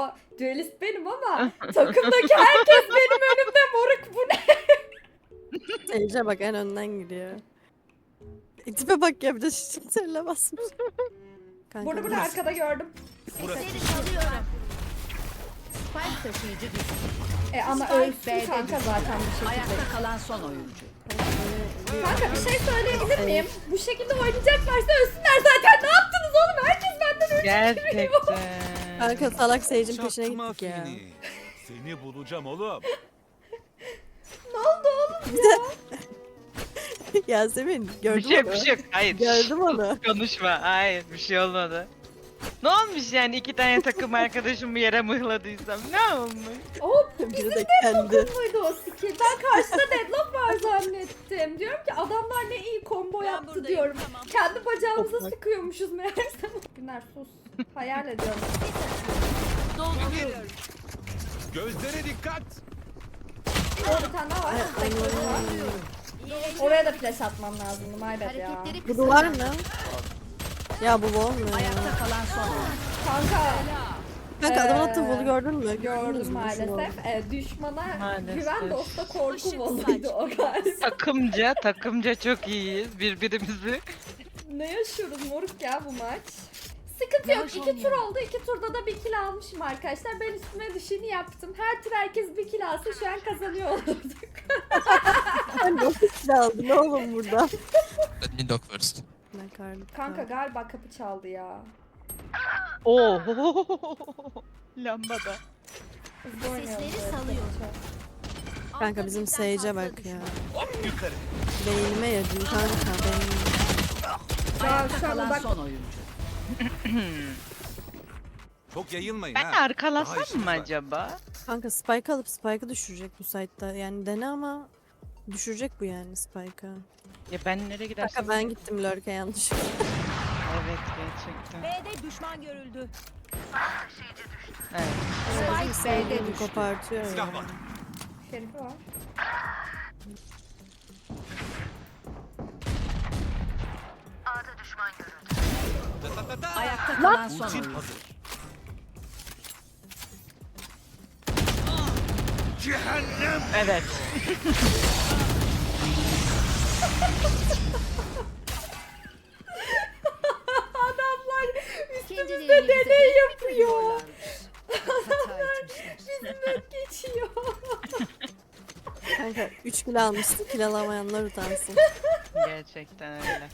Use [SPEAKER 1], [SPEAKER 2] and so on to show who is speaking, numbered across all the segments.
[SPEAKER 1] Duelist benim ama takımdaki herkes benim önümde moruk, bu ne?
[SPEAKER 2] Sage'e bak en önden gidiyor. Tipe bak ya bir de şişirle basmış. Kanka,
[SPEAKER 1] Burada
[SPEAKER 2] burası.
[SPEAKER 1] arkada gördüm.
[SPEAKER 3] Sesleri salıyorum. Spike taşıyıcı düştü.
[SPEAKER 1] Ama
[SPEAKER 3] Spike
[SPEAKER 1] ölsün
[SPEAKER 3] B'de
[SPEAKER 1] kanka
[SPEAKER 3] düştü.
[SPEAKER 1] zaten bir şekilde.
[SPEAKER 3] Ayakta kalan son oyuncu.
[SPEAKER 1] Kanka bir şey söyleyebilir miyim? Bu şekilde oynayacaklarsa ölsünler zaten. Ne yaptınız oğlum? Herkes benden ölçü veriyor.
[SPEAKER 4] Gerçekten.
[SPEAKER 2] Kanka salak Sage'in peşine
[SPEAKER 5] Çaktırma
[SPEAKER 2] gittik ya.
[SPEAKER 5] Fini. Seni bulacağım oğlum.
[SPEAKER 1] Ne oldu oğlum?
[SPEAKER 2] Yasemin
[SPEAKER 4] Bir
[SPEAKER 2] gördün
[SPEAKER 4] şey
[SPEAKER 2] mü?
[SPEAKER 4] bir şey yok. Hayır.
[SPEAKER 2] Gördüm onu.
[SPEAKER 4] Konuşma. Hayır bir şey olmadı. Ne olmuş yani iki tane takım arkadaşımı yere mıhladıysam ne olmuş?
[SPEAKER 1] Hop,
[SPEAKER 2] Biri de kendi.
[SPEAKER 1] muydu o skill? Ben karşıda deadlock var zannettim. Diyorum ki adamlar ne iyi combo yaptı diyorum. Kendi bacağımıza
[SPEAKER 2] Toprak.
[SPEAKER 1] sıkıyormuşuz meğerse. Günler sus. Hayal ediyorum.
[SPEAKER 3] Dolduruyorum.
[SPEAKER 5] Gözlere dikkat.
[SPEAKER 1] Orada bir tane daha var. Oraya da flash atmam lazımdı. My bad ya.
[SPEAKER 3] Hareketleri
[SPEAKER 2] Bu
[SPEAKER 3] kısa.
[SPEAKER 2] duvar mı? Ya bu bol mu ya?
[SPEAKER 3] Ayakta kalan son oyuncu.
[SPEAKER 1] Kanka
[SPEAKER 2] Kanka adamın attığı bolu gördün mü? Gördünüz
[SPEAKER 1] gördüm
[SPEAKER 2] mü?
[SPEAKER 1] maalesef. Düşmana
[SPEAKER 4] Maalesef.
[SPEAKER 1] güven dosta korku voluydu o galiba.
[SPEAKER 4] Takımca çok iyiyiz birbirimizi.
[SPEAKER 1] Ne yaşıyoruz moruk ya bu maç? Sıkıntı yok. 2 tur oldu. 2 turda da 1 kill almışım arkadaşlar. Ben üstüme düşeni yaptım. Her tur herkes 1 kill alsa şu an kazanıyor olurduk.
[SPEAKER 2] Sen nasıl silah aldın oğlum burada?
[SPEAKER 6] Let me dock first.
[SPEAKER 2] Ne karnı?
[SPEAKER 1] Kanka galiba kapı çaldı ya.
[SPEAKER 4] Oo. Lambada.
[SPEAKER 1] Hızlı oynayalım
[SPEAKER 3] Sesleri
[SPEAKER 1] böyle.
[SPEAKER 3] salıyor.
[SPEAKER 2] Kanka bizim Sage'e bak ya.
[SPEAKER 5] Hop yukarı.
[SPEAKER 2] Beynime yedin kanka beynime.
[SPEAKER 1] Ya
[SPEAKER 3] Ayakta
[SPEAKER 1] şu an
[SPEAKER 3] kalan
[SPEAKER 1] uzak.
[SPEAKER 3] son oyuncu.
[SPEAKER 5] Çok yayılmayın
[SPEAKER 4] Ben
[SPEAKER 5] ha.
[SPEAKER 4] de
[SPEAKER 5] Daha
[SPEAKER 4] arkalasam
[SPEAKER 5] işimiz
[SPEAKER 4] mı
[SPEAKER 5] var.
[SPEAKER 4] acaba?
[SPEAKER 2] Kanka Spike alıp Spike'ı düşürecek bu site'da. Yani dene ama düşürecek bu yani Spike'ı.
[SPEAKER 4] Ya ben nereye gidersem...
[SPEAKER 2] Kanka ben gittim lurk'e yanlış.
[SPEAKER 4] Evet gerçekten.
[SPEAKER 3] B'de düşman görüldü.
[SPEAKER 4] Evet.
[SPEAKER 3] Spike B'de
[SPEAKER 2] Beni
[SPEAKER 3] düştü.
[SPEAKER 2] kopartıyor ya.
[SPEAKER 5] Silah var.
[SPEAKER 1] Şerifi var.
[SPEAKER 5] Ta ta ta ta.
[SPEAKER 3] Ayakta kalan son
[SPEAKER 5] Ultin
[SPEAKER 3] oyuncu.
[SPEAKER 5] hazır. Cehennem.
[SPEAKER 4] Evet.
[SPEAKER 1] Adamlar
[SPEAKER 3] Kendilerini
[SPEAKER 1] üstümüzde
[SPEAKER 3] bize
[SPEAKER 1] deney
[SPEAKER 3] bir
[SPEAKER 1] yapıyor.
[SPEAKER 3] Hata etmişler.
[SPEAKER 1] Bizimle geçiyor.
[SPEAKER 2] Kanka 3 kilo almıştı. Kilo alamayanlar utansın.
[SPEAKER 4] Gerçekten öyle.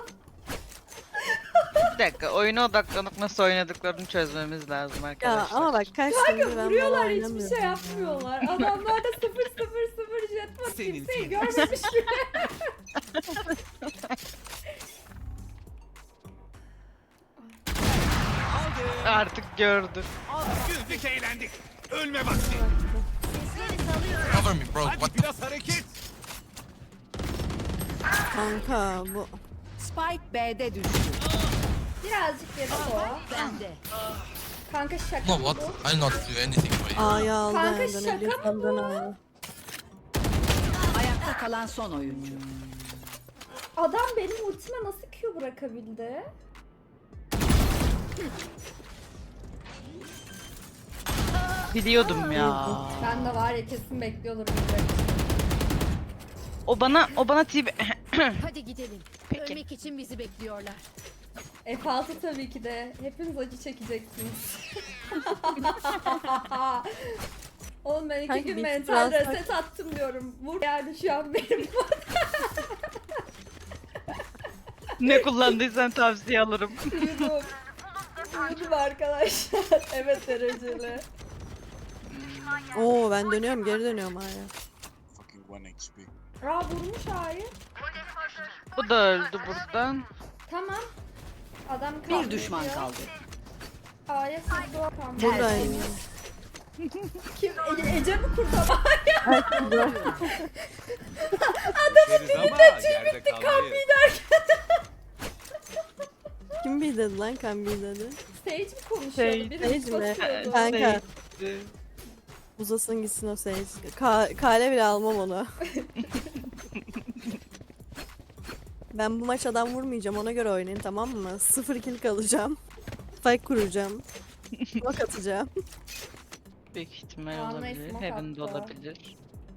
[SPEAKER 4] Bir dakika oyuna odaklanıp nasıl oynadıklarını çözmemiz lazım
[SPEAKER 2] Ya
[SPEAKER 4] arkadaşlar.
[SPEAKER 2] ama bak kaç gündür ben bunu
[SPEAKER 1] Vuruyorlar, hiçbir
[SPEAKER 2] oynamıyorum
[SPEAKER 1] şey
[SPEAKER 2] ya.
[SPEAKER 1] yapmıyorlar. Adamlar da 0-0-0 jetpack
[SPEAKER 5] Senin
[SPEAKER 1] kimseyi
[SPEAKER 5] film.
[SPEAKER 1] görmemiş bile.
[SPEAKER 5] Aldı.
[SPEAKER 4] Artık gördün.
[SPEAKER 5] Güldük eğlendik. Ölme vakti.
[SPEAKER 3] Sesleri salıyor.
[SPEAKER 6] Cover me, bro. What
[SPEAKER 5] Hadi biraz hareket.
[SPEAKER 2] Kanka bu
[SPEAKER 3] Spike B'de düştü.
[SPEAKER 1] Birazcık yedi o.
[SPEAKER 3] Bende.
[SPEAKER 1] Kanka şaka
[SPEAKER 6] No,
[SPEAKER 1] mı
[SPEAKER 6] what?
[SPEAKER 1] bu?
[SPEAKER 6] I'll not do anything for you.
[SPEAKER 2] A'yı aldı.
[SPEAKER 1] Kanka
[SPEAKER 2] yani,
[SPEAKER 1] şaka
[SPEAKER 2] dönebilirsem
[SPEAKER 1] mı bu?
[SPEAKER 2] dönemem.
[SPEAKER 3] Ayakta kalan son oyuncu.
[SPEAKER 1] Adam benim ultime nasıl Q bırakabildi?
[SPEAKER 4] Biliyordum ya.
[SPEAKER 1] Ben de var ya kesin bekliyordur bizi.
[SPEAKER 4] O bana tibi...
[SPEAKER 3] Hadi gidelim.
[SPEAKER 4] Peki.
[SPEAKER 3] Ölmek için bizi bekliyorlar.
[SPEAKER 1] F6 tabii ki de. Hepiniz acı çekeceksiniz. Oğlum ben 2
[SPEAKER 2] Kanka
[SPEAKER 1] gün
[SPEAKER 2] bir
[SPEAKER 1] mental
[SPEAKER 2] biraz-
[SPEAKER 1] reset attım diyorum. Vur yani şu an benim.
[SPEAKER 4] Ne kullandıysan tavsiye alırım.
[SPEAKER 1] Uyudum. Uyudum arkadaşlar. Evet dereceli.
[SPEAKER 2] Oo ben dönüyorum geri dönüyorum hala.
[SPEAKER 6] Fucking 1 HP.
[SPEAKER 1] Aa vurmuş A'yı.
[SPEAKER 4] Bu da öldü buradan.
[SPEAKER 1] Tamam. Adam kaldı.
[SPEAKER 3] Bir düşman kaldı.
[SPEAKER 1] A'ya sızdı o kaldı.
[SPEAKER 2] Buradayım.
[SPEAKER 1] Kim? Ece mi kurtarma?
[SPEAKER 5] Adamın dilinde tüy bitti
[SPEAKER 1] Kambi derken.
[SPEAKER 2] Kim bildi lan kan bildi?
[SPEAKER 1] Sage mi konuşuyordu?
[SPEAKER 4] Sage.
[SPEAKER 1] Biri
[SPEAKER 2] Sage mi?
[SPEAKER 1] basıyordu.
[SPEAKER 2] Kanka
[SPEAKER 4] Neydi?
[SPEAKER 2] uzasın gitsin o Sage. Kale bile almam onu. Ben bu maç adam vurmayacağım ona göre oynayın tamam mı? 0 kill kalacağım. Spike kuracağım. Bak atacağım.
[SPEAKER 4] Büyük ihtimal
[SPEAKER 1] Aa,
[SPEAKER 4] olabilir.
[SPEAKER 1] nice smoke
[SPEAKER 4] Heaven'da
[SPEAKER 1] attı.
[SPEAKER 4] olabilir.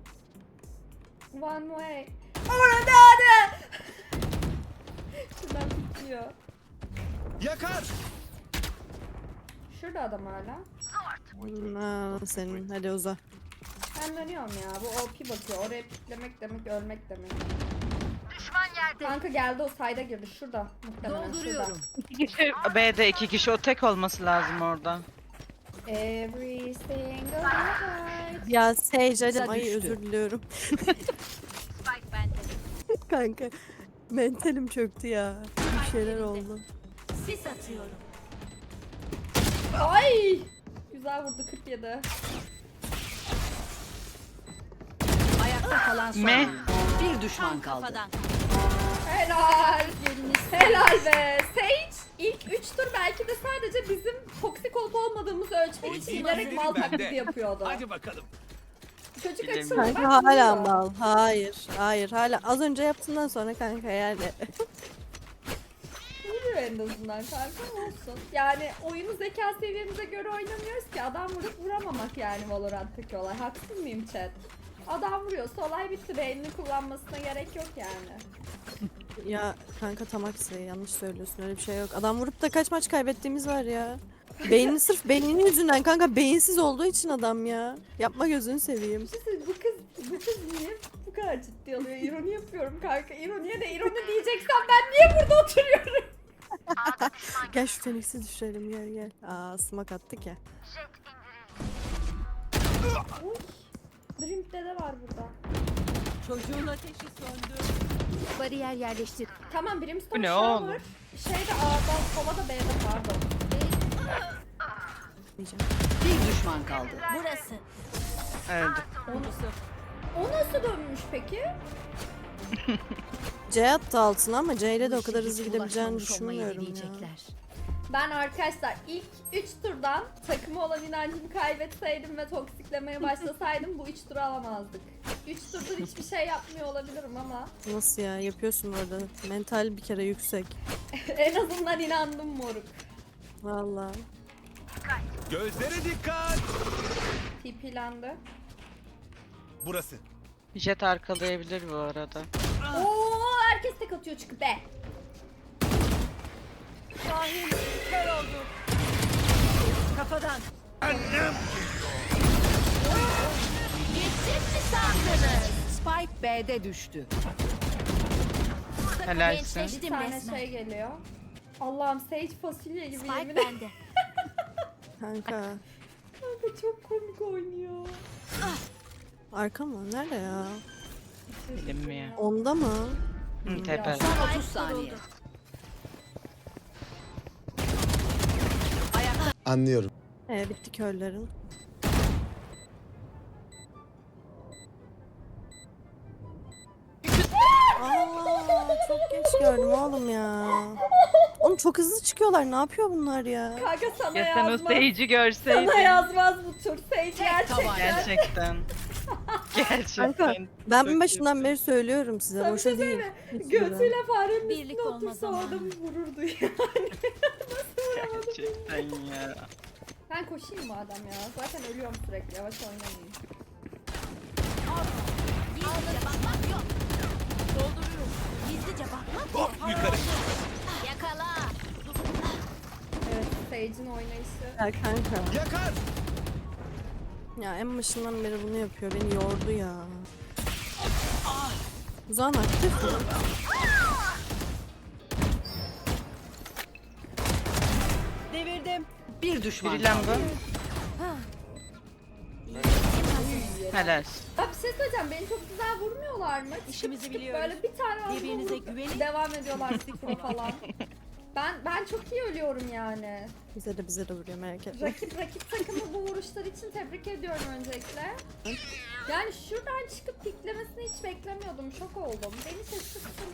[SPEAKER 1] One way. Orada hadi. Şuradan bitiyor.
[SPEAKER 5] Yakar.
[SPEAKER 1] Şurada adam hala.
[SPEAKER 2] Senin. Hadi uza.
[SPEAKER 1] Ben dönüyorum ya. Bu OP bakıyor. Oraya piklemek demek ölmek demek. Kanka geldi o sayda girdi. Şurada. Muhtemelen şurada.
[SPEAKER 3] Dolduruyorum.
[SPEAKER 4] B'de 2 kişi o tek olması lazım orada.
[SPEAKER 1] Every single night.
[SPEAKER 2] Ya Sage hadi.
[SPEAKER 3] Kısa
[SPEAKER 2] Ay
[SPEAKER 3] düştü.
[SPEAKER 2] özür diliyorum. Kanka. Mentalim çöktü ya. Bir şeyler oldu.
[SPEAKER 3] Sis atıyorum.
[SPEAKER 1] Ay! Güzel vurdu 47.
[SPEAKER 3] Ayakta kalan son
[SPEAKER 4] Me.
[SPEAKER 3] oyuncu. Bir düşman kaldı.
[SPEAKER 1] Helal. Helal be. Sage ilk 3 tur belki de sadece bizim toksik olup olmadığımızı ölçmek için bilerek mal taklidi yapıyordu.
[SPEAKER 5] Hadi bakalım.
[SPEAKER 1] Çocuk
[SPEAKER 4] Bilemiyorum.
[SPEAKER 1] açıldı.
[SPEAKER 2] Kanka hala mal. Hayır. Hayır hala. Az önce yaptığından sonra kanka yani.
[SPEAKER 1] Vuruyor en azından kanka olsun. Yani oyunu zeka seviyemize göre oynamıyoruz ki. Adam vurup vuramamak yani Valorant'taki olay. Haksız mıyım chat? Adam vuruyorsa olay bitti. Beynini kullanmasına gerek yok yani.
[SPEAKER 2] Ya kanka tam aksi yanlış söylüyorsun öyle bir şey yok. Adam vurup da kaç maç kaybettiğimiz var ya. Beynini sırf beyninin yüzünden kanka beyinsiz olduğu için adam ya. Yapma gözünü seveyim.
[SPEAKER 1] Bir şey söyleyeyim, bu kız niye bu kadar ciddi alıyor? İroni yapıyorum kanka. İroniye de ironi diyeceksen ben niye burada oturuyorum?
[SPEAKER 2] Gel şu Phoenix'i düşürelim gel gel. Aa smoke attık ya.
[SPEAKER 1] Uy. Drink'te de var burada.
[SPEAKER 3] Çocuğun ateşi söndü. Bariyer yerleştir.
[SPEAKER 1] Tamam Brimstone
[SPEAKER 4] Bu ne
[SPEAKER 1] shower.
[SPEAKER 4] oğlum?
[SPEAKER 1] Şeyde A'da, sola da B'de pardon.
[SPEAKER 2] Diyeceğim.
[SPEAKER 3] Bir düşman kaldı.
[SPEAKER 7] Burası.
[SPEAKER 4] Öldü.
[SPEAKER 1] O nasıl dönmüş peki?
[SPEAKER 2] C attı altına ama C ile de o kadar
[SPEAKER 3] Hiç
[SPEAKER 2] hızlı gidebileceğini
[SPEAKER 3] ulaşmamış olmayı
[SPEAKER 2] düşünmüyorum ya.
[SPEAKER 3] deneyecekler.
[SPEAKER 1] Ben arkadaşlar ilk 3 turdan takıma olan inancımı kaybetseydim ve toksiklemeye başlasaydım bu 3 turu alamazdık. 3 turdur hiçbir şey yapmıyor olabilirim ama
[SPEAKER 2] Nasıl ya yapıyorsun orada. Mental bir kere yüksek.
[SPEAKER 1] en azından inandım moruk.
[SPEAKER 2] Vallahi.
[SPEAKER 5] Gözlere dikkat.
[SPEAKER 1] TP'lendi.
[SPEAKER 5] Burası.
[SPEAKER 4] Jet arkalayabilir bu arada.
[SPEAKER 1] Oo herkes tek atıyor çıkıp be.
[SPEAKER 7] Şahin kör oldu.
[SPEAKER 3] Kafadan.
[SPEAKER 5] Annem.
[SPEAKER 7] Gittim mi sandınız?
[SPEAKER 3] Spike B'de düştü.
[SPEAKER 4] Helalsin.
[SPEAKER 1] Bir
[SPEAKER 7] Gençleştim
[SPEAKER 1] tane
[SPEAKER 7] resmen.
[SPEAKER 1] şey geliyor. Allah'ım Sage fasulye gibi yemin
[SPEAKER 7] Spike
[SPEAKER 1] ederim.
[SPEAKER 7] bende.
[SPEAKER 2] Kanka.
[SPEAKER 1] Kanka çok komik oynuyor.
[SPEAKER 2] Arka mı? Nerede ya?
[SPEAKER 4] Bilinmiyor.
[SPEAKER 2] Onda mı?
[SPEAKER 4] Hı, tepe.
[SPEAKER 3] Son 30 saniye.
[SPEAKER 8] Anlıyorum.
[SPEAKER 2] Bitti körlerin. Aa, çok geç gördüm oğlum ya. Oğlum çok hızlı çıkıyorlar. Ne yapıyor bunlar ya?
[SPEAKER 1] Kanka sana
[SPEAKER 4] Ya sen o
[SPEAKER 1] yazmaz.
[SPEAKER 4] Sage'i görseydin.
[SPEAKER 1] Sana yazmaz bu tur. Sage gerçekten.
[SPEAKER 4] Gerçekten. Gerçekten.
[SPEAKER 2] Kanka ben en
[SPEAKER 4] Çok
[SPEAKER 2] başından
[SPEAKER 4] kötü.
[SPEAKER 2] beri söylüyorum size.
[SPEAKER 1] Sana bir
[SPEAKER 2] Boşa
[SPEAKER 1] şey
[SPEAKER 2] değil.
[SPEAKER 1] söyleyeyim mi?
[SPEAKER 2] Hiç güven.
[SPEAKER 1] Götüyle farenin
[SPEAKER 7] Birlik
[SPEAKER 1] üstüne
[SPEAKER 7] olma
[SPEAKER 1] otursa o
[SPEAKER 7] zamanı.
[SPEAKER 1] adamı vururdu yani.
[SPEAKER 4] Gerçekten ya.
[SPEAKER 1] Ben koşayım madem ya. Zaten ölüyorum sürekli. Yavaş oynamayayım.
[SPEAKER 7] Gizlice bakmak yok. Dolduruyorum. Gizlice bakmak yok.
[SPEAKER 5] Hop yukarı.
[SPEAKER 7] Yakala.
[SPEAKER 1] Evet, Sage'in oynayışı.
[SPEAKER 2] Ya kanka.
[SPEAKER 5] Yakar.
[SPEAKER 2] Ya en başından beri bunu yapıyor. Beni yordu ya. Uzan aktif mi?
[SPEAKER 3] Devirdim. Bir düşman
[SPEAKER 4] Biri
[SPEAKER 3] kaldı.
[SPEAKER 4] lamba. Helal.
[SPEAKER 1] Ya bir şey söyleyeceğim. Beni çok güzel vurmuyorlar mı?
[SPEAKER 7] İşimizi
[SPEAKER 1] Çıkıp
[SPEAKER 7] biliyoruz.
[SPEAKER 1] böyle bir tane anda
[SPEAKER 7] Birbirinize
[SPEAKER 1] vurup
[SPEAKER 7] güvenin.
[SPEAKER 1] devam ediyorlar sıfır falan. Ben çok iyi ölüyorum yani.
[SPEAKER 2] Bize de vuruyor merak etme.
[SPEAKER 1] Rakip takımı bu vuruşlar için tebrik ediyorum öncelikle. Yani şuradan çıkıp piklemesini hiç beklemiyordum. Şok oldum. Beni şaşırttın.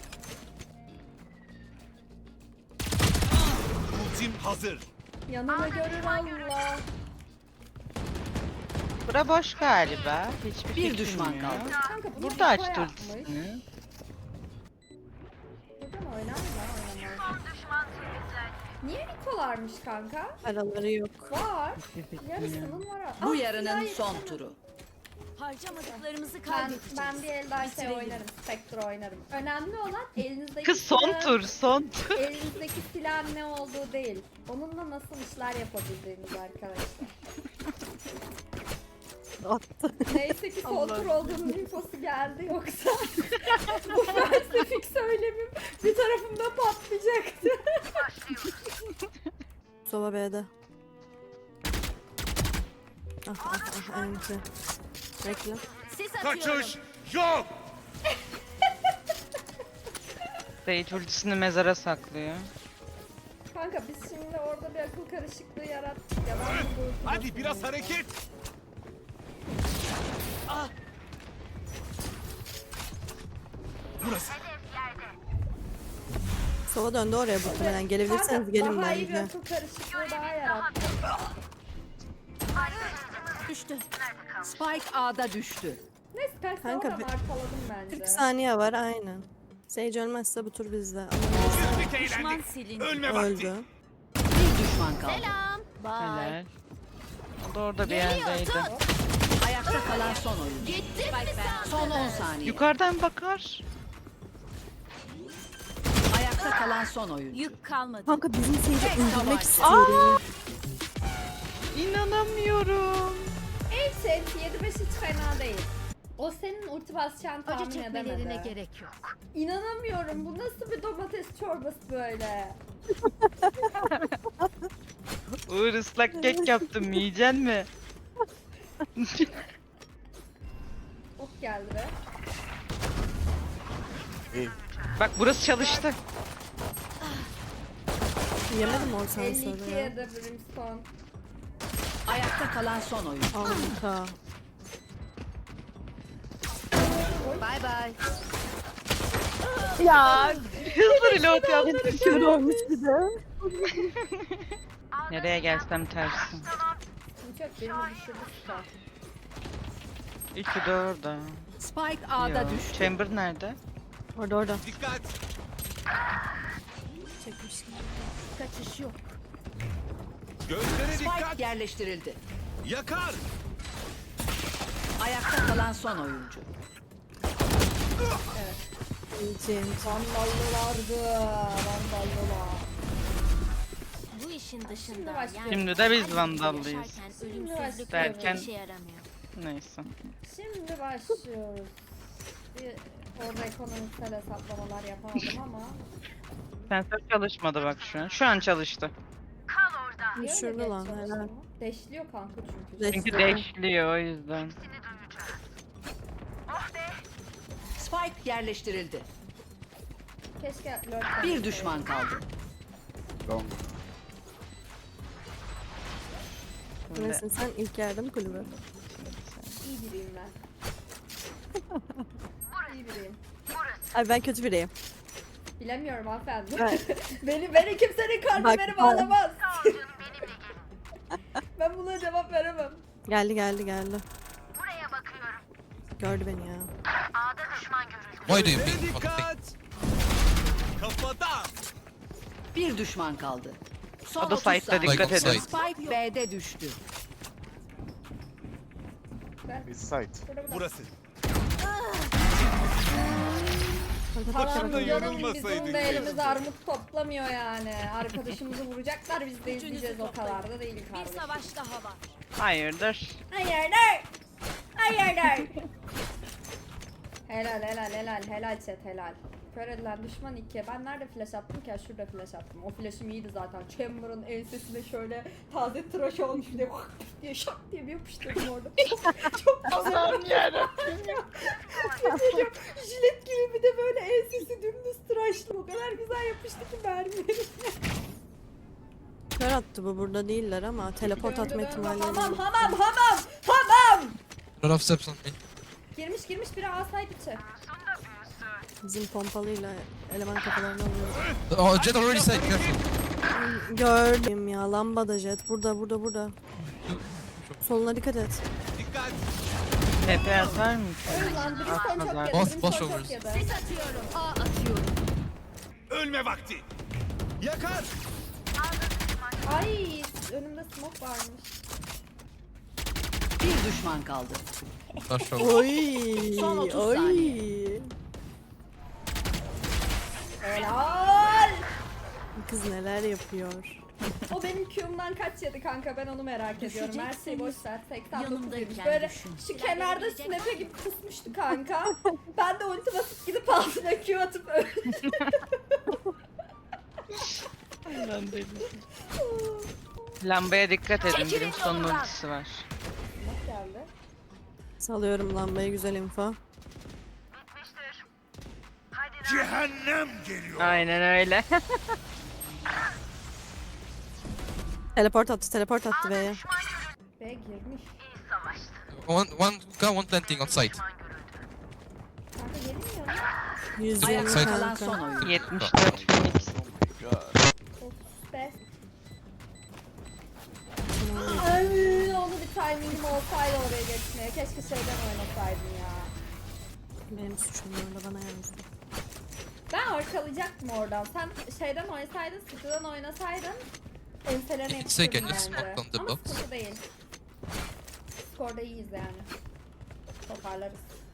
[SPEAKER 5] Ultim hazır.
[SPEAKER 1] Yanına görür Allah.
[SPEAKER 4] Bura boş galiba. Hiçbir
[SPEAKER 3] Bir
[SPEAKER 4] fikrim
[SPEAKER 3] düşman
[SPEAKER 4] yok.
[SPEAKER 3] kaldı.
[SPEAKER 1] Kanka bunu
[SPEAKER 4] Burada
[SPEAKER 1] Niko
[SPEAKER 4] açtı
[SPEAKER 1] yapmış.
[SPEAKER 4] ultisini.
[SPEAKER 1] Burada mı oynar mı? Oynamaz. Niye Nikola varmış kanka.
[SPEAKER 2] Paraları yok.
[SPEAKER 1] Var. Yarısının var.
[SPEAKER 3] Bu
[SPEAKER 1] Ah,
[SPEAKER 3] yarının
[SPEAKER 1] ya,
[SPEAKER 3] son
[SPEAKER 1] yetişemem.
[SPEAKER 3] turu.
[SPEAKER 7] Harcamadıklarımızı
[SPEAKER 1] Ben
[SPEAKER 7] kaybedeceğiz.
[SPEAKER 1] bir el daha şey
[SPEAKER 7] Bitirelim.
[SPEAKER 1] oynarım. Spectre oynarım. Önemli olan elinizdeki
[SPEAKER 4] Kız son
[SPEAKER 1] silahın-
[SPEAKER 4] tur son tur.
[SPEAKER 1] Elinizdeki silahın ne olduğu değil. Onunla nasıl işler yapabildiğiniz arkadaşlar.
[SPEAKER 2] Attı.
[SPEAKER 1] Neyse ki son tur olduğunun infosu geldi yoksa bu felsefik söylemim bir tarafımda patlayacaktı.
[SPEAKER 2] Sova B'de. Enti. Bekle.
[SPEAKER 7] Sis atıyorum.
[SPEAKER 5] Kaçış yok.
[SPEAKER 4] Sage ultisini mezara saklıyor.
[SPEAKER 1] Kanka biz şimdi orada bir akıl karışıklığı yarattık ya. Ben bu ultimi
[SPEAKER 5] Hadi biraz
[SPEAKER 1] basıyorum.
[SPEAKER 5] hareket. Burası.
[SPEAKER 2] Sova döndü oraya muhtemelen. Gelebilirseniz
[SPEAKER 1] Kanka,
[SPEAKER 2] gelin
[SPEAKER 1] daha iyi bir
[SPEAKER 2] bence.
[SPEAKER 1] akıl karışıklığı daha yarattı.
[SPEAKER 7] Düştü.
[SPEAKER 3] Spike A'da düştü.
[SPEAKER 1] Neyse ben
[SPEAKER 2] Kanka,
[SPEAKER 1] sonra markaladım bence.
[SPEAKER 2] 40 saniye var aynen. Sage ölmezse bu tur bizde. Ama
[SPEAKER 5] Güldük
[SPEAKER 7] Düşman
[SPEAKER 5] eğlendik.
[SPEAKER 7] silindi.
[SPEAKER 5] Ölme vakti.
[SPEAKER 2] öldü.
[SPEAKER 3] Bir düşman kaldı.
[SPEAKER 7] Selam. Bye.
[SPEAKER 4] Helal. O da orada bir
[SPEAKER 7] Geliyor,
[SPEAKER 4] yerdeydi.
[SPEAKER 3] Ayakta kalan son oyuncu.
[SPEAKER 7] Gittim mi sen?
[SPEAKER 3] Son 10 saniye.
[SPEAKER 4] Yukarıdan bakar.
[SPEAKER 3] Ayakta kalan son oyuncu.
[SPEAKER 7] Yük kalmadı.
[SPEAKER 2] Kanka bizim Sage'i
[SPEAKER 3] Tek
[SPEAKER 2] öldürmek
[SPEAKER 3] tabanca.
[SPEAKER 2] istiyorum.
[SPEAKER 4] İnanamıyorum.
[SPEAKER 1] Evet, 7-5 hiç fena değil. O senin ulti basacağını
[SPEAKER 7] Acı
[SPEAKER 1] tahmin
[SPEAKER 7] çekmelerine
[SPEAKER 1] edemedi.
[SPEAKER 7] gerek yok.
[SPEAKER 1] İnanamıyorum. Bu nasıl bir domates çorbası böyle?
[SPEAKER 4] Uğur ıslak kek yaptım yiyecek mi?
[SPEAKER 1] Ok geldi be.
[SPEAKER 4] Bak burası çalıştı.
[SPEAKER 2] Yemedim o sen
[SPEAKER 1] 52
[SPEAKER 2] sonra ya.
[SPEAKER 1] ya da Brimstone.
[SPEAKER 3] Ayakta kalan son oyuncu.
[SPEAKER 2] Kanka.
[SPEAKER 3] Bay bay.
[SPEAKER 4] Hızlı reload yaptım.
[SPEAKER 2] Kör olmuş bir de.
[SPEAKER 4] Nereye gelsem tersin.
[SPEAKER 1] Çok birini düşürdü süper.
[SPEAKER 4] İki de orada.
[SPEAKER 3] Spike A'da
[SPEAKER 4] Yo.
[SPEAKER 3] düştü.
[SPEAKER 4] Chamber nerede?
[SPEAKER 2] Orada.
[SPEAKER 5] Dikkat.
[SPEAKER 2] Çekmiştim.
[SPEAKER 7] Kaçış yok.
[SPEAKER 5] Gözlere
[SPEAKER 3] Spike
[SPEAKER 5] dikkat.
[SPEAKER 3] yerleştirildi.
[SPEAKER 5] Yakar.
[SPEAKER 3] Ayakta kalan son oyuncu.
[SPEAKER 2] İyice.
[SPEAKER 1] Vandallılardı. Vandallılar.
[SPEAKER 7] Bu işin dışında
[SPEAKER 1] Şimdi başlıyor.
[SPEAKER 4] Şimdi de biz
[SPEAKER 7] kalbimizi
[SPEAKER 4] vandallıyız.
[SPEAKER 7] yaşarken ölümsüzlük
[SPEAKER 4] Derken-
[SPEAKER 7] işe yaramıyor.
[SPEAKER 4] Neyse.
[SPEAKER 1] Şimdi başlıyoruz. Bir orada ekonomisel hesaplamalar yapamadım ama.
[SPEAKER 4] Sensör çalışmadı bak şu an. Şu an çalıştı.
[SPEAKER 1] Niye öyle
[SPEAKER 2] Düşürdü
[SPEAKER 1] geç
[SPEAKER 2] lan,
[SPEAKER 1] çalıştı
[SPEAKER 2] helal.
[SPEAKER 1] mı? Deşliyor kanka çünkü.
[SPEAKER 4] Çünkü deşliyor o yüzden.
[SPEAKER 3] Spike yerleştirildi.
[SPEAKER 1] Keşke lurk
[SPEAKER 3] Bir düşman kaldı.
[SPEAKER 4] Şimdi
[SPEAKER 2] Nesin sen ilk yardım kulübü.
[SPEAKER 1] İyi biriyim ben. İyi biriyim.
[SPEAKER 2] Ay ben kötü biriyim.
[SPEAKER 1] Bilemiyorum hanımefendi.
[SPEAKER 2] Evet.
[SPEAKER 1] beni kimsenin kalbi
[SPEAKER 2] Bak,
[SPEAKER 1] beni bağlamaz. Ben buna cevap veremem.
[SPEAKER 2] Geldi. Gördü beni ya.
[SPEAKER 6] Why do you
[SPEAKER 5] Gözlere
[SPEAKER 6] ping? Fucking
[SPEAKER 5] dikkat. Kafada.
[SPEAKER 3] Bir düşman kaldı. Son
[SPEAKER 4] O da
[SPEAKER 3] 30
[SPEAKER 4] site'da
[SPEAKER 3] saniye.
[SPEAKER 4] dikkat
[SPEAKER 6] Like
[SPEAKER 4] edin.
[SPEAKER 6] offside.
[SPEAKER 3] Spike B'de düştü.
[SPEAKER 1] Burada.
[SPEAKER 5] Burası.
[SPEAKER 2] Kanka
[SPEAKER 1] Tamam
[SPEAKER 5] Başında
[SPEAKER 1] canım
[SPEAKER 5] yorulmasaydın
[SPEAKER 1] bizim de elimiz
[SPEAKER 5] keşke.
[SPEAKER 1] armut toplamıyor yani. Arkadaşımızı vuracaklar biz de izleyeceğiz o kadar da değil
[SPEAKER 7] Bir
[SPEAKER 1] kardeşim.
[SPEAKER 7] savaş daha var.
[SPEAKER 4] hayırdır.
[SPEAKER 1] Hayırdır? Hayırdır? helal chat helal. Kör edilen düşman 2. Ben nerede flash attım ki? Şurada flash attım. O flash'ım iyiydi zaten. Chamber'ın ensesine şöyle taze tıraş olmuş bir de diye şak diye bir yapıştırdım orada. Çok
[SPEAKER 4] Allah'ım yarabbim.
[SPEAKER 1] Jilet gibi bir de böyle ensesi dümdüz tıraşlı. O kadar güzel yapıştı ki mermileri.
[SPEAKER 2] kör attı bu burada değiller ama teleport atma ihtimalleri
[SPEAKER 1] Hamam
[SPEAKER 2] var.
[SPEAKER 1] hamam.
[SPEAKER 6] lot of steps on me.
[SPEAKER 1] Girmiş biri asaydı içi.
[SPEAKER 2] Bizim pompalıyla eleman kafalarını alıyor.
[SPEAKER 6] Oh, Jet already said, careful.
[SPEAKER 2] Gördüm ya lambada jet. Burada. Soluna dikkat et.
[SPEAKER 5] Dikkat.
[SPEAKER 4] TP atar mı?
[SPEAKER 1] Öyle lan Brimstone çok
[SPEAKER 4] Atmadılar.
[SPEAKER 1] yedi.
[SPEAKER 6] Boss
[SPEAKER 1] Brimstone çok
[SPEAKER 6] overs.
[SPEAKER 1] yedi.
[SPEAKER 7] Sis atıyorum. A atıyorum.
[SPEAKER 5] Ölme vakti. Yakar.
[SPEAKER 1] Ay önümde smoke varmış.
[SPEAKER 3] Bir düşman kaldı.
[SPEAKER 6] Not sure.
[SPEAKER 2] Oy.
[SPEAKER 3] Son 30
[SPEAKER 2] oy.
[SPEAKER 3] saniye.
[SPEAKER 1] Helal.
[SPEAKER 2] Kız neler yapıyor.
[SPEAKER 1] O benim Q'umdan kaç yedi kanka ben onu merak ediyorum. Her şeyi boş ver. 89
[SPEAKER 7] yanımdayken
[SPEAKER 1] yemiş. Böyle
[SPEAKER 7] düşün.
[SPEAKER 1] şu kenarda sünepe gibi kısmıştı kanka. Ben de ulti basıp gidip altına Q atıp öldüm.
[SPEAKER 4] Ben değilim. Lambaya dikkat edin.
[SPEAKER 7] Çekilin
[SPEAKER 4] Brimstone'un
[SPEAKER 7] yolumdan.
[SPEAKER 4] ultisi var.
[SPEAKER 1] Nasıl geldi?
[SPEAKER 2] Salıyorum lambayı, güzel info.
[SPEAKER 5] Cehennem geliyor.
[SPEAKER 4] Aynen öyle.
[SPEAKER 2] Teleport attı B'ye.
[SPEAKER 1] B girmiş.
[SPEAKER 6] One hookah, one planting outside.
[SPEAKER 1] Kanka gelmiyor mu?
[SPEAKER 2] 120
[SPEAKER 3] Ayakta kalan
[SPEAKER 2] kanka.
[SPEAKER 3] son oyuncu.
[SPEAKER 4] 74 Phoenix.
[SPEAKER 1] Be. Ay, onu bir timingim olsaydı oraya geçmeye. Keşke şeyden oynasaydım ya.
[SPEAKER 2] Benim suçum orada, bana yazdı.
[SPEAKER 1] Ben arkalayacaktım oradan. Sen şeyden oynasaydın, sıkıdan oynasaydın enselerine
[SPEAKER 6] It's like
[SPEAKER 1] yapıştırdın
[SPEAKER 6] I just
[SPEAKER 1] bence.
[SPEAKER 6] smoked on the
[SPEAKER 1] Ama
[SPEAKER 6] box.
[SPEAKER 1] sıkıntı değil. Skorda iyiyiz yani. Toparlarız.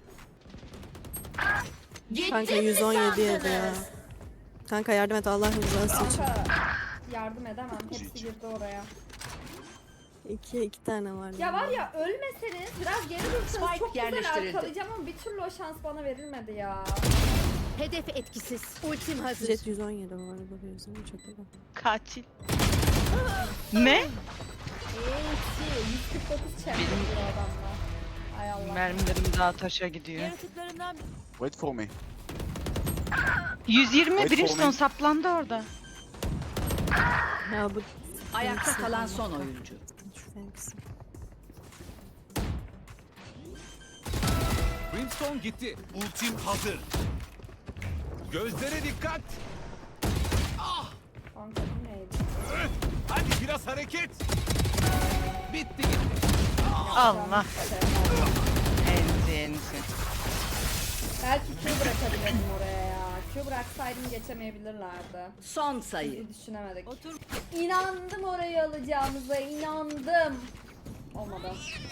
[SPEAKER 2] Kanka 117 yedi ya. Kanka yardım et Allah rızası için.
[SPEAKER 1] Kanka yardım edemem. Hepsi girdi oraya.
[SPEAKER 2] İki tane var.
[SPEAKER 1] Ya var ya ölmeseniz biraz geri dursanız
[SPEAKER 3] Spike
[SPEAKER 1] çok güzel
[SPEAKER 3] yerleştirildi.
[SPEAKER 1] arkalayacağım ama bir türlü o şans bana verilmedi ya.
[SPEAKER 7] Hedef etkisiz. Ultim hazır.
[SPEAKER 2] Jet 117 bu arada, bu yüzden çok iyi.
[SPEAKER 4] Katil. Ne?
[SPEAKER 1] 149 champion bu adamla. Ay Allah.
[SPEAKER 4] Mermilerim daha taşa gidiyor.
[SPEAKER 7] Yaratıklarından
[SPEAKER 8] Wait for me.
[SPEAKER 4] 120
[SPEAKER 8] Wait for
[SPEAKER 4] Brimstone
[SPEAKER 8] me.
[SPEAKER 4] saplandı orada.
[SPEAKER 2] Ya bu
[SPEAKER 3] Ayakta kalan son oyuncu.
[SPEAKER 2] şu Fenix.
[SPEAKER 5] Brimstone gitti. Ultim hazır. Gözlere dikkat.
[SPEAKER 1] Kanka bu neydi?
[SPEAKER 5] Hadi biraz hareket. Bitti gitti.
[SPEAKER 4] Allah.
[SPEAKER 1] Şey,
[SPEAKER 4] Enzi enzi.
[SPEAKER 1] belki Q bırakabilirdim oraya ya. Q bıraksaydım geçemeyebilirlerdi.
[SPEAKER 3] Son sayı.
[SPEAKER 1] Bizi düşünemedik.
[SPEAKER 7] otur.
[SPEAKER 1] İnandım orayı alacağımıza, inandım. Olmadı.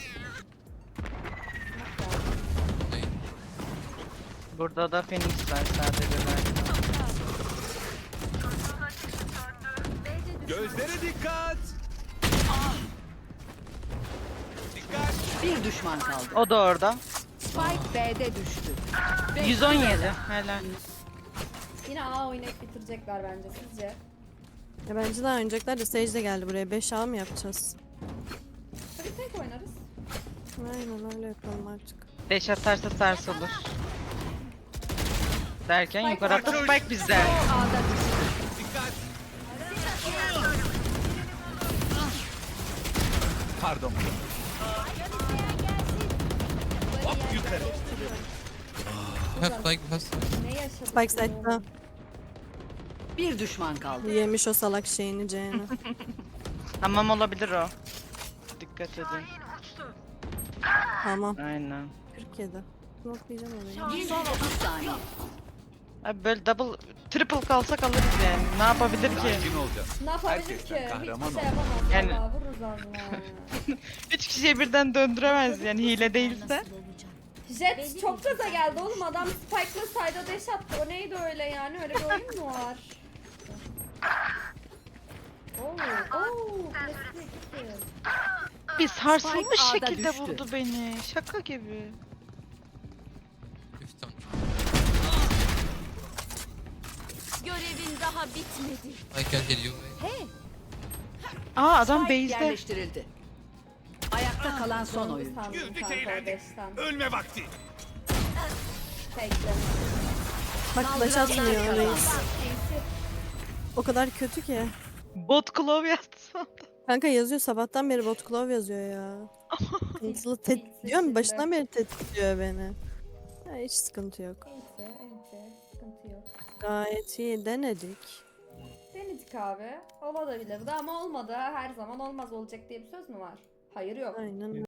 [SPEAKER 4] Burada da Phoenix var sadece ben.
[SPEAKER 5] Gözlere dikkat. Dikkat.
[SPEAKER 3] Bir düşman kaldı.
[SPEAKER 4] O da orada.
[SPEAKER 3] Spike B'de düştü.
[SPEAKER 4] 117. Helal.
[SPEAKER 1] Yine A oynayıp bitirecekler bence sizce.
[SPEAKER 2] Ya bence daha oynayacaklar da Sage de geldi buraya. 5A mı yapacağız?
[SPEAKER 1] Hadi tek oynarız.
[SPEAKER 2] Aynen öyle yapalım artık.
[SPEAKER 4] Deş atarsa sarsılır. Derken yukarı attı Spike bizde.
[SPEAKER 3] A'da düştü.
[SPEAKER 5] Dikkat. Pardon. Hop yukarı.
[SPEAKER 6] We have like has
[SPEAKER 1] Ne yaşadık?
[SPEAKER 2] Spike side'da.
[SPEAKER 3] Bir düşman kaldı.
[SPEAKER 2] Yemiş o salak şeyini C'ni.
[SPEAKER 4] Tamam olabilir o. Dikkat edin.
[SPEAKER 2] Tamam.
[SPEAKER 4] Aynen.
[SPEAKER 2] 47. Notlayacağım orayı.
[SPEAKER 3] Son 30 saniye.
[SPEAKER 4] Abi böyle double, triple kalsak alırız yani. Ne yapabilir ki?
[SPEAKER 5] Sakin olacağız.
[SPEAKER 1] Ne yapabilir
[SPEAKER 5] Herkesten
[SPEAKER 1] ki?
[SPEAKER 5] kahraman
[SPEAKER 1] Hiçbir şey
[SPEAKER 5] ol.
[SPEAKER 1] yapamaz.
[SPEAKER 4] Yani-
[SPEAKER 1] Vallahi vururuz onu.
[SPEAKER 4] 3 kişiye birden döndüremez yani hile değilse.
[SPEAKER 7] Nasıl olacak?
[SPEAKER 1] Jet çok gaza geldi oğlum. Adam Spike'la side'a dash attı. O neydi öyle yani? Öyle bir oyun mu var? Klasik gitti.
[SPEAKER 4] Bir sarsılmış
[SPEAKER 3] Spike A'da
[SPEAKER 4] şekilde
[SPEAKER 3] düştü.
[SPEAKER 4] vurdu beni. Şaka gibi.
[SPEAKER 6] 50 on.
[SPEAKER 7] Görevin daha bitmedi.
[SPEAKER 6] I can heal you.
[SPEAKER 4] Aa adam
[SPEAKER 3] Spike
[SPEAKER 4] base'de.
[SPEAKER 3] yerleştirildi. Ayakta kalan son
[SPEAKER 1] Sonuncu
[SPEAKER 3] oyuncu.
[SPEAKER 1] sandım
[SPEAKER 5] Güldük,
[SPEAKER 1] kanka o
[SPEAKER 5] eğlendik.
[SPEAKER 1] dash'ten.
[SPEAKER 5] Ölme vakti.
[SPEAKER 1] Tekli.
[SPEAKER 2] Bak flash atmıyor
[SPEAKER 3] Saldıranlar
[SPEAKER 2] reis. O kadar kötü ki.
[SPEAKER 4] Bot glove yatsın.
[SPEAKER 2] Kanka yazıyor, sabahtan beri bot glove yazıyor ya. Hızlı diyorum, başından beri tetikliyor beni. Ya hiç sıkıntı yok.
[SPEAKER 1] Neyse, sıkıntı yok.
[SPEAKER 2] Gayet iyi denedik.
[SPEAKER 1] Denedik abi. Olabilirdi ama olmadı. Her zaman olmaz olacak diye bir söz mü var? Hayır yok.
[SPEAKER 2] Aynen.